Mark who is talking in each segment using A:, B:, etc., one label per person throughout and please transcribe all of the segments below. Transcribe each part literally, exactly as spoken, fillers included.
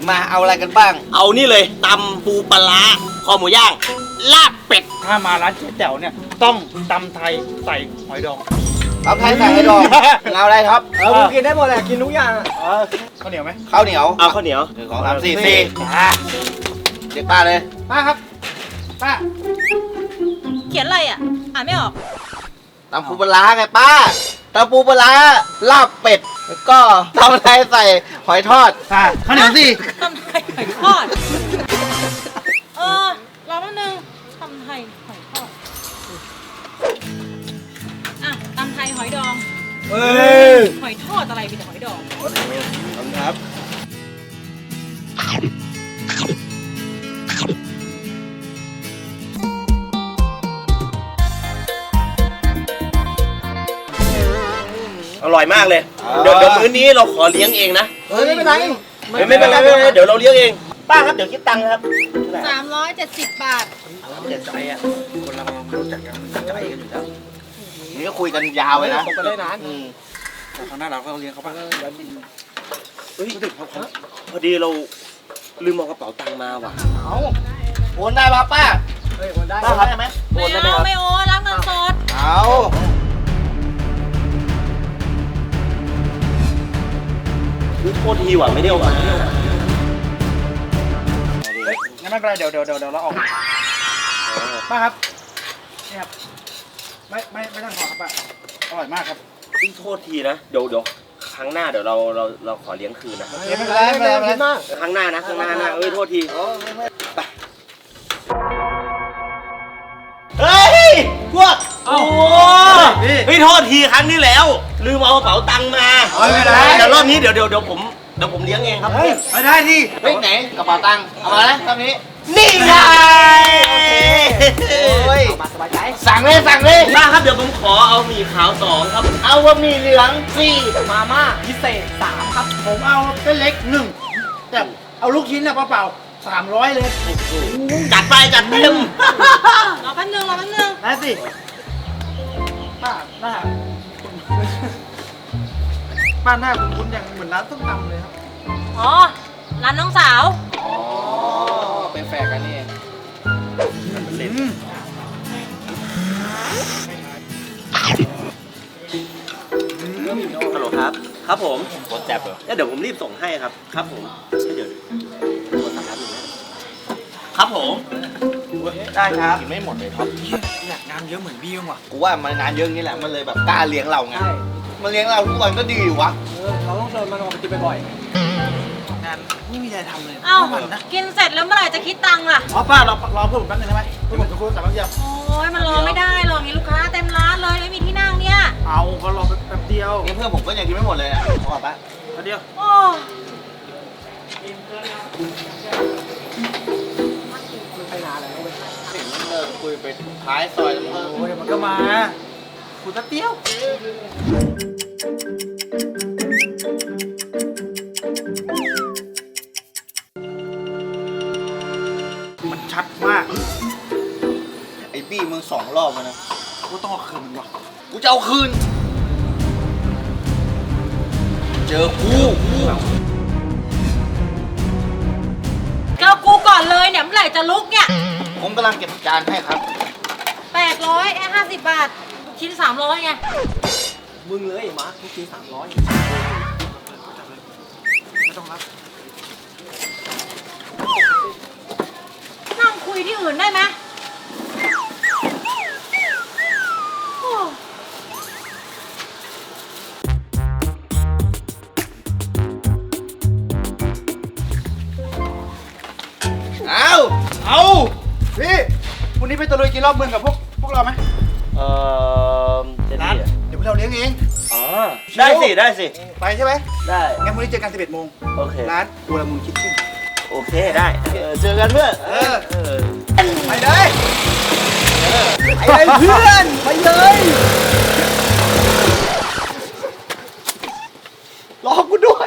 A: มาเอาอะไรกันบ้าง
B: เอานี่เลยตำปูปลาร้าคอหมูย่างลาบเป็ด
C: ถ้ามาร้านเจ๊แจ๋วเนี่ยต้องตำไทยใส่หอยดอง
A: ตำไทยใส่หอยดองเอาอะไรครับ
C: เออกูกินได้หมดแหละกินทุกอย่างเออข้าวเหนียวไหม
A: ข้าวเหนียว
B: เอาข้าวเหนียว
A: หนึ่งสองสามสี่สี่เด็กป้าเลย
C: ป้าครับป้า
D: เขียนอะไรอ่ะอ่านไม่ออก
A: ตำปูปลาร้าไงป้าตำปูปลาร้าลาบเป็ดแล้วก็ตำไทยใส่หอยทอด
C: อ่าข้าวเหนียวสิ
D: ตำไทยหอยทอดเออรอแป๊บนึงตำไทยหอยทอดอ่ะตำไทยหอยดอง
C: เอ้ย
D: หอยทอดอะไรมีแต่หอยดอง
A: ครับ
B: อร่อยมากเลยเดี๋ยวเดี๋ยวมื้อนี้เราขอเลี้ยงเองนะ
C: เฮ้ยไม่เป็นไร
B: ไม่ไม่เป็นไรไม่เป็นไรเดี๋ยวเราเลี้ยงเองป้าครับเดี๋ยวคิดตังค์ครับ
D: สามร้อยเจ็ดสิบบาท
A: เจ็ดใจอ่ะคนเรารู้จักกันใจกันอยู่แล้วนี่ก็คุยกันยาวเลยนะ
C: ก็ได้นาน
A: ครั้งหน้าเราก็เลี้ยงเขาบ้าง
B: เฮ้ยพอดีเราลืมเอากระเป๋าตังค์มาว่ะ
A: เอาโอนได้ป่ะป้า
C: เฮ้ยโอนได้
A: ป้าครับได้ไหม
D: ไม่เอาไม่โอนรับเงินสด
A: เอา
B: โทษทีว่ะไม่ได้เอามา
C: เฮ้ยงั้นไม่เป็นไรเดี๋ยวเดี๋ยวเดี๋ยวเราออกป้าครับนี่ครับไม่ไม่ไม่ต้องขอครับป้าอร่อยมากครับ
B: โทษทีนะเดี๋ยวเดี๋ยวครั้งหน้าเดี๋ยวเราเราเราขอเลี้ยงคืนนะ
C: ไม่เป็นไรไม่เป็นไรไม่เป็นไร
B: ครั้งหน้านะครั้งหน้านะเอ้ยโทษทีไปเฮ้ยพวกโอ้เฮ้ยโทษทีครั้งนี้แล้วลืมเอากระเป๋าตังค์มาเดี๋ยวรอบนี้เดี๋ยวเดี๋ยวเดี๋ยวผมเดี๋ยวผมเลี้ยงเองครับ
C: ไม่ได้ดิ
A: เฮ้ยไหนกระเป๋าตังค์เอามาแล้วตอนนี้
B: นี่ไง
A: โอ้ยสบายใจสั่งเลยสั่งเลย
B: มาครับเดี๋ยวผมขอเอาหมี่ขาวสองครับ
A: เอาบะหมี่เหลืองสี่
C: มาม่าพิเศษสามครับผมเอาเส้นเล็กหนึ่งแต่เอาลูกชิ้นนะเปล่าสามร้อยเลย
B: จัดไปจัดเต็ม
D: รอแป๊บนึงรอแป๊บนึง
C: ได้สิป้าหน้าป้าหน้าคุณคุณอย่างเหมือนร้านต้มตำเลยครับ
D: อ๋อร้านน้องสาว
A: อ๋อเป็นแฟนกันนี่เอง
B: ฮัลโหลครับครับผมกดแจ็บเหรอเดี๋ยวผมรีบส่งให้ครับครับผมเดี๋ยวโทรศัพท์ครับครับผม
A: ได้ครับกินไม่หมดเลยครับ
C: อยากงานเยอะเหมือนพี่มั้งวะ
A: กูว่ามันงานเยอะนี่แหละมันเลยแบบกล้าเลี้ยงเราไงมันเลี้ยงเราทุกวันก็ดีอยู่วะ
C: เออเราต้องเชิญมันมากินบ่อยๆงานไม่มีอะไรทำเลย
D: เอ้ากินเสร็จแล้วเมื่อไหร่จะคิดตังค์ล่ะ
C: อ๋อป้ารอรอเพื่อนผมแป๊บนึงได้ไหมเพื่อนผมจะคุยกับแป๊บเดียว
D: โอ้ยมันรอไม่ได้หรอกมีลูกค้าเต็มร้านเลยไม่มีที่นั่งเนี่ย
C: เอาก็รอแป๊บเดียว
A: นี่เพื่อนผมก็ยังกินไม่หมดเลยอ่ะขอแป๊บ
C: แป๊บเดียว
D: โอ้
C: ไปนานแล้วเว้ย
A: เห็นมันเลิกคุยไปท้ายซอยแล้ว
C: โอ้ยมันก็มาคุยแป๊บเดียวมันชัดมาก
A: ไอ้บี้มึงสองรอบแล้วนะ
C: กูต้องเอาคืนมึงวะ
A: กูจะเอาคืนเจอกู
D: เจ้ากูก่อนเลยเนี่ยเมื่อไหร่จะลุกเนี่ย
A: ผมกำลังเก็บจานให้ครับ
D: แปดร้อยแค่ห้าสิบบาทชิ้นสามร้อยไง
C: มึงเลยมาทุกทีสามร้อยไม่ต้องรับ
D: นั่งคุยที่อื่นได้ไหม
A: เอา
C: เอาพี่วันนี้ไปตะลุยกินรอบเมืองกับพวกพวกเราไหม
B: เออจะดี
C: เดี๋ยวพวกเราเลี้ยงเอง
B: อ๋อได้สิได้สิ
C: ไปใช่ไหม
B: ได้
C: งั้นวันนี้เจอกันสิบเอ็ดโมง
B: โอเค
C: ร้านอูรามูนคิทเช่น
B: โอเคได้เจอกันเพื่อน
C: เออไปเลยไปเลยเพื่อนไปเลยรอกูด้วย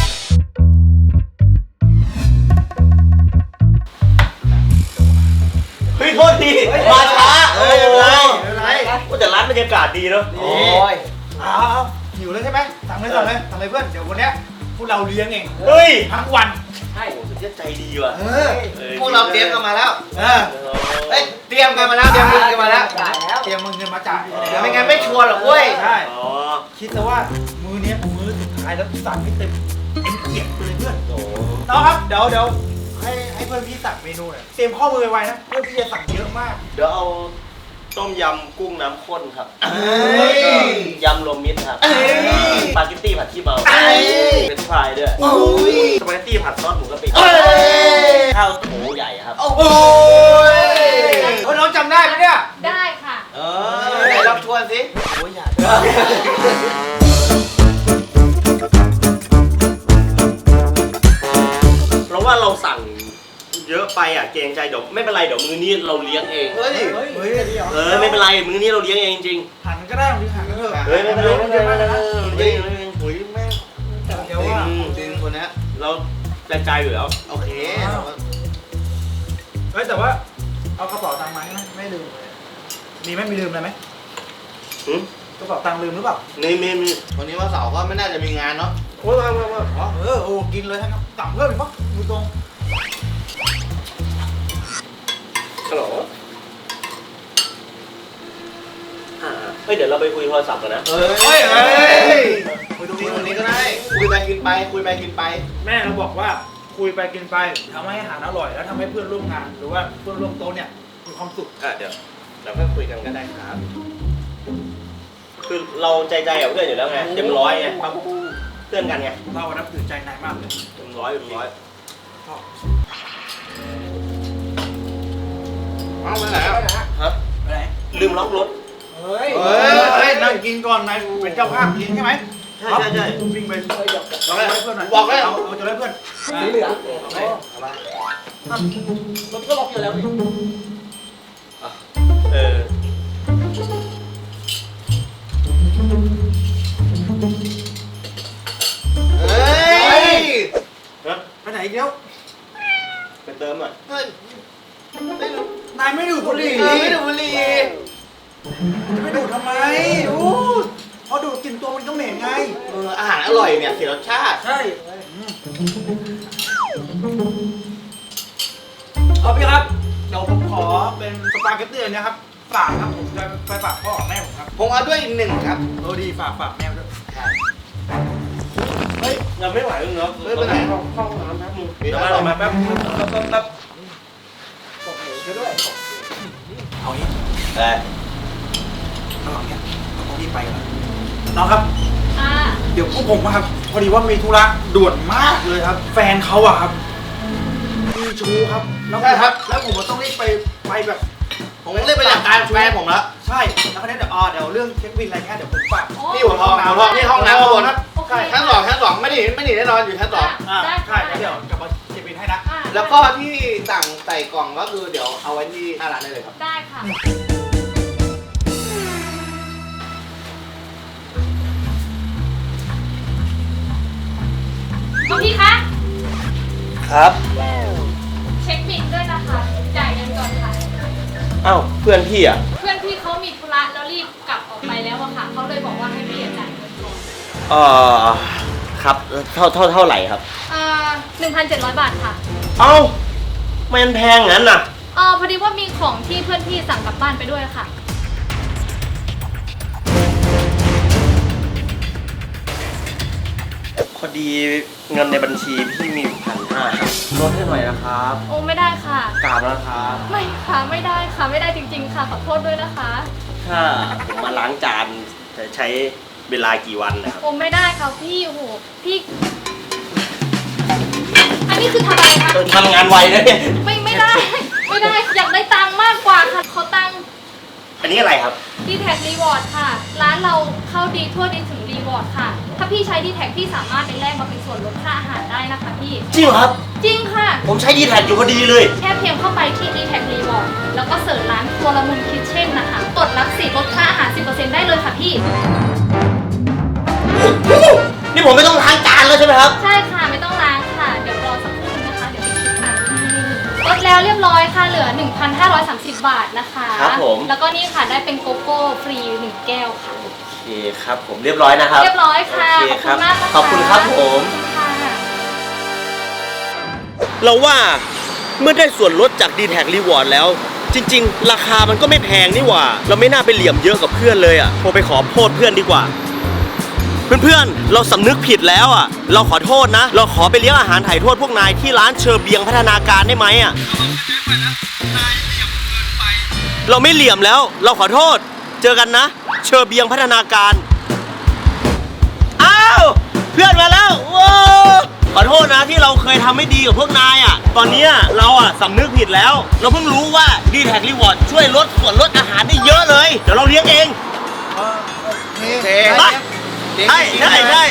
B: เฮ้ยโทษทีมาช้าเฮ้ยไม่เป็นไรก็แต่ร้านบรรยากาศดีเนาะ
C: โอ้ยเอาหิวเลยใช่ไหมสั่งเลยสั่งเลยสั่งเลยเพื่อนเดี๋ยววันนี้พวกเราเลี้ยงเอง
B: เฮ้ย
C: ทั้งวัน
B: ใช่ก็ใจดีว่ะ
A: เออพวกเราเตรียมกันมาแล้ว
C: เออ
A: เอ้ยเตรียมกันมาแล้วเตรียมเงินกันมาแล้ว
C: จ่ายแล้วเตรียมเงินมาจ่าย
A: ไม่งั้นไม่ชัวร์หรอกเว้ย
C: ใช่
B: อ๋อ
C: คิดซะว่ามือเนี้ยมือสุดท้ายแล้วสั่งให้เต็มเต็มเกียรติไปเลยเพื่อน
B: โอ้
C: น้องครับเดี๋ยวเดี๋ยวให้ให้เพื่อนพี่สั่งเมนูหน่อยเตรียมข้อมือไว้นะเพื่อนพี่จะสั่งเยอะมาก
B: เดี๋ยวเอาต้มยำกุ้งน้ำข้นครับ
A: เอ้ย
B: ยำรวมมิตรครับ
A: เอ้ย
B: สปาเกตตี้ผัดขี้เมา
A: เอ้ย
B: เป็นฟรายด้วย
A: โอ้ย
B: สปาเกตตี้ผัดซอสหมูกะปิ
A: เอ้ย
B: ข้าวโถใหญ่ครับ
A: โอ้ย
C: เออน้องจำได้ไหมเนี่ย
D: ได้ค่ะ
A: เออไหนรับทวนสิ
B: โอ้ยอยากเพราะว่าเราสั่งเยอะไปอ่ะเกรงใจเดี๋ยวไม่เป็นไรเดี๋ยวมื้อนี้เราเลี้ยงเอง
A: เฮ้ย
C: เฮ้ยเฮ้ยดีเหรอ
B: เออไม่เป็นไรมื้อนี้เราเลี้ยงเองจริง
C: หันก็ได้หรือหันก็เถอะ
B: เฮ้ยไม่เป็นไรไม่เป็นไรไม่เป็นไร
A: เฮ้ยหุยแม่ง
C: เดี๋ยวว่า
A: จริงคนเนี้ย
B: เราใจใจอยู่แล้ว
A: โอเค
C: เฮ้ยแต่ว่าเอากระเป๋าตังค์มาให้ไหมไม่ลืมมีไหมมีลืมอะไรไหม
B: หืม
C: กระเป๋าตังค์ลืมหรือเปล่า
B: นี่มีมี
A: วันนี้วันเสาร์ก็ไม่น่าจะมีงานเนาะ
B: โอ้ยมามามา
C: อ๋อเออโอ้กินเลยทั้งนั้นสั่งเพิ่มอีกปะดูตรง
B: ฮัลโหลอ่าเฮ้ยเดี๋ยวเราไปคุยโทรศัพท์กันนะ
A: เฮ้ยเฮ้ยคุยตรงนี้ตรงนี้ก็ได้ คุยไปกินไป คุยไปกินไป
C: แม่เราบอกว่าคุยไปกินไปทำให้อาหารอร่อยแล้วทำให้เพื่อนร่วมงาน หรือว่าเพื่อนร่วมโต๊ะเนี่ยมีความสุข
B: อ่ะเดี๋ยวเราก็คุยกันก็ได้ครับ คือเราใจใจกับเพื่อนอยู่แล้วไงเต็มร้อยไงครับเพื่อนกันไง
C: เรานับถือใจนายมากเลย
B: เต็มร้อยเต็มร้อย
C: ชอบ
A: เอาไปไหนอ่ะ
B: ฮะ
C: ไปไหน
B: ลืมล็อกรถ
C: เฮ้ย
A: เฮ้ย
C: เฮ้ยนั่งกินก่อนนายเป็นเจ้าภาพกินใช่ไหม
B: ใช่ใช่ใช่
C: วิ่งไปเอาให้เพื่อนหน่อย
A: บอกเลย
C: เอาเอาจะได้เพื่อน
D: สีเหลือง
C: รถก็ล็อกอยู่แล้วนี่
B: เออ
A: เฮ้ย
B: ฮะ
C: ไปไหนอีกแล้ว
B: ไปเติมหน่อย
A: เฮ้ย
C: นายไม่ดูดบุหรี่
A: เออไม่ดูบุหรี่
C: ไม่ดูดทำไมดูดพอดูดกลินตัวมันก็เหม็นไง
A: เอออาหารอร่อยเนี่ยเสียรสชาติ
C: ใช่เอาพี่ครับ เดี๋ยวผมขอเป็นสปาเกตตี้อันเนะครับ ฝากครับผมจะไปฝากพ่อกับแม่ผมครับ
A: ผมเอาด้วยอีกหนึ่งครับ
C: โอ้ดีฝากฝากแม่ด้วย
B: เฮ้ยเราไม่ไหวแล้วเนาะ
A: เฮ้ยไปไหน
B: เข้าห้องน้ำแป๊บนึง
A: มี
B: เดี๋ยว
A: อะไร
B: มา
A: มา
B: มาแป๊บแป๊บแป๊บแป๊บ
C: บอกหนูช่วยด้วยเอางี้
B: แต่
C: ระหว่างเนี้ยเราต้องรีบไปกันน้องครับ
D: อ่า
C: เดี๋ยวพวกผมอะครับพอดีว่ามีธุระด่วนมากเลยครับ แฟนเขาอะครับมีชู้ครับแล้วผมแล้วผมก็ต้องรีบไปไปแบบ
A: ผมเรียกไปจัดการแฟนผมแล้ว
C: ใช่แล้วก็เนี่ยเดี๋ยวอ่าเดี๋ยวเรื่องเช็คบินอะไรเงี้ยเดี๋ยวผมฝาก
A: นี่หัวทองหัวทองนี่ห้องน้ำข้างบน
D: โอเค
A: ชั้นสองชั้นสองไม่ได้ไม่ได้แน่นอนอยู่ชั้นสอง
C: อ่า
D: ได้
C: ใช่แล้วเดี๋ยวกลับมาเช็คบินให้นะ
D: อ่า
A: แล้วก็ที่สั่งใส่กล่องก็คือเดี๋ยวเอาไว้ที่หน้าร้านได้เลยครับ
D: ได้ค่ะ คุณพี่คะ
B: ครับ
D: เช็คบิลด้วยนะคะ จ่ายเงินก่อนค่ะ
B: อ้าวเพื่อนพี่อ่ะ
D: เพื่อนพี่เขามีธุระแล้วรีบกลับออกไปแล้วอะค่ะ เขาเลยบอกว่าให้พี่จ่ายเงินก่อน
B: เอ่อครับเท่าเท่าเท่าไหร่ครับ
D: อ่าหนึ่งพันเจ็ดร้อยบาทค่ะ
B: เอ้ามันแพงงั้นน่ะ
D: เออพอดีว่ามีของที่เพื่อนพี่สั่งกลับบ้านไปด้วยค่ะ
B: พอดีเงินในบัญชีพี่มีพันห้าลดให้หน่อยนะครับ
D: โอ้ไม่ได้ค่ะ
B: กราบนะครับ
D: ไม่ค่ะไม่ได้ค่ะไม่ได้จริง ๆ ค่ะขอโทษด้วยนะคะ
B: ถ้าผมมาล้างจานจะใช้เวลากี่วันนะครับ
D: โอ้ไม่ได้ค่ะพี่โอ้โหพี่ อันนี้คือทำอะไรคะ
B: เออทำงานไวนะเนี่ย
D: ไม่ไม่ได้ ไม่ได้อยากได้ตังค์มากกว่าค่ะขอตังค์
B: อันนี้อะไรครับ
D: ดีแท็กรีวอร์ดค่ะ ร้านเราเข้าดีทั่วดีถึงรีวอร์ดค่ะ ถ้าพี่ใช้ดีแท็กพี่สามารถไปแลกมาเป็นส่วนลดค่าอาหารได้นะคะพี่
B: จริงเหรอครับ
D: จริงค่ะ
B: ผมใช้ดีแท็กอยู่พอดีเลย
D: แค่เพียงเข้าไปที่ ดีแท็ก Reward แล้วก็เสิร์ชร้านครัวละมุนคิทเช่นนะคะกดรับสิทธิ์ลดค่าอาหาร สิบเปอร์เซ็นต์ ได้เลยค่ะพี่
B: นี่ผมไม่ต้องล้างจานแล้วใช่ไหมครับ
D: ใช่ค่ะ ไม่ต้องล้างค่ะ เดี๋ยวรอสักครู่นึงนะคะ เดี๋ยวไปคิดตังค์ลดแล้วเรียบร้อยค่ะ เหลือ หนึ่งพันห้าร้อยสามสิบ บาทนะคะ
B: ครับผม
D: แล้วก็นี่ค่ะได้เป็นโกโก้ฟรีหนึ่งแก้วค่ะ
B: โอเคครับผมเรียบร้อยนะครับ
D: เรียบร้อยค่ะ
B: โอเค
D: ขอบ
B: ค
D: คุ
B: รับ
D: ณมากนะคะ
B: ขอบคุณครับผม
D: ขอบคุณค่ะ
B: เราว่าเมื่อได้ส่วนลดจาก ดี แท็ก Reward แล้ว จริงๆ ราคามันก็ไม่แพงนี่หว่า เราไม่น่าไปเหลี่ยมเยอะกับเพื่อนเลยอ่ะโทรไปขอโทษเพื่อนดีกว่า เพื่อนๆ เราสำนึกผิดแล้วอ่ะ เราขอโทษนะ เราขอไปเลี้ยงอาหารถ่ายโทษพวกนายที่ร้านเชอร์เบียงพัฒนาการได้ไหมอ่ะ เราไม่เหลี่ยมแล้ว เราขอโทษ เจอกันนะ เชอร์เบียงพัฒนาการ อ้าว เพื่อนมาแล้วว้าวขอโทษนะที่เราเคยทำไม่ดีกับพวกนายอ่ะ ตอนนี้เราอ่ะสำนึกผิดแล้ว เราเพิ่งรู้ว่า ดี แท็ก Reward ช่วยลดส่วนลดอาหารได้เยอะเลย เดี๋ยวเราเลี้ยงเอง
C: โอเค
A: โอเค
B: ไปใช่ใช่ใช่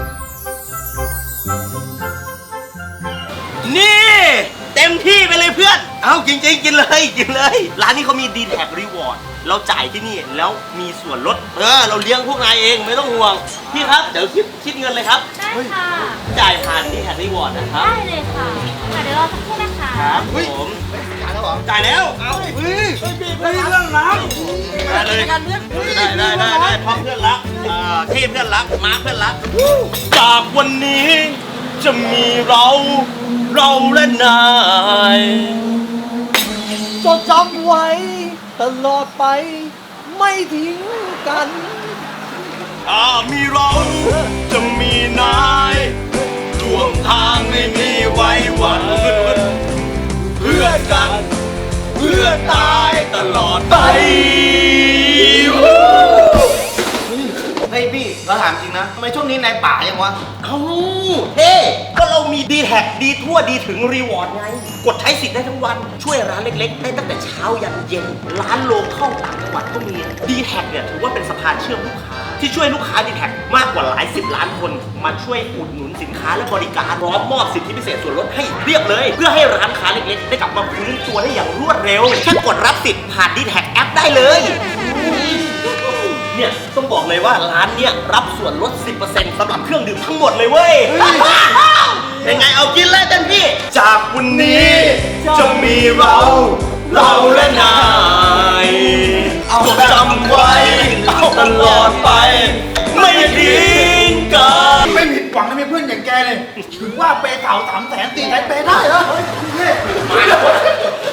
B: นี่ เต็มที่ไปเลยเพื่อน เอ้าจริงๆกินเลยกินเลย ร้านนี้เขามี ดี แท็ก Reward เราจ่ายที่นี่แล้วมีส่วนลด เออ เราเลี้ยงพวกนายเองไม่ต้องห่วง พี่ครับ เดี๋ยวคิดคิดเงินเลยครับ
D: ได้ค่ะ
B: จ่ายผ่าน ดี แท็ก Reward นะครับ
D: ได้เลยค่ะค่ะเดี๋ยวรอสักครู่นะคะ
B: ครับผม
A: จ่ายแล้วเหรอ
B: จ่ายแล้ว เอา
C: เฮ้ยเฮ้ยเรื่องน้
B: ได้เลยได้ได้ได้ได้พร้อมเพื่อนรักอ่าที่เพื่อนรักมาเพื่อนรัก จากวันนี้จะมีเรา เราและนาย
A: จดจำไว้ตลอดไปไม่ทิ้งกัน
B: ถ้ามีเราจะมีนายร่วมทางไม่มีไว้หวันเพื่อกัน เพื่อตายตลอดไป
A: เฮ้ยพี่เราถามจริงนะทำไมช่วงนี้นายป่ายังวะ
B: เอ้าเฮ้ก็เรามี ดี แท็ก ดีทั่วดีถึงรีวอร์ดไง กดใช้สิทธิ์ได้ทั้งวัน ช่วยร้านเล็กๆ ได้ตั้งแต่เช้ายันเย็น ร้านโลเข้าต่างจังหวัดก็มี ดี แท็ก เนี่ยถือว่าเป็นสะพานเชื่อมลูกค้า ที่ช่วยลูกค้า ดี แท็ก มากกว่าหลายสิบล้านคน มาช่วยอุดหนุนสินค้าและบริการพร้อมมอบสิทธิพิเศษส่วนลดให้เรียบเลย เพื่อให้ร้านค้าเล็กๆ ได้กลับมาฟื้นตัวได้อย่างรวดเร็ว แค่กดรับสิทธิ์ผ่าน ดี แท็ก แอปได้เลย เนี่ยต้องบอกเลยว่าร้านเนี่ยรับส่วนลด สิบเปอร์เซ็นต์ สำหรับเครื่องดื่มทั้งหมดเลยเว้ย เป็นไงเอากินเลยเต็มที่ จากวันนี้จะมีเรา เราและนายจดจำไว้ตลอดไป ไม่ทิ้งกัน
C: ำไม่ผิดหวังนะมีเพื่อนอย่างแกเลยถึงว่าเปย์เก่าสามแสนตีใช้เปย์ได้เหรอเฮ้ย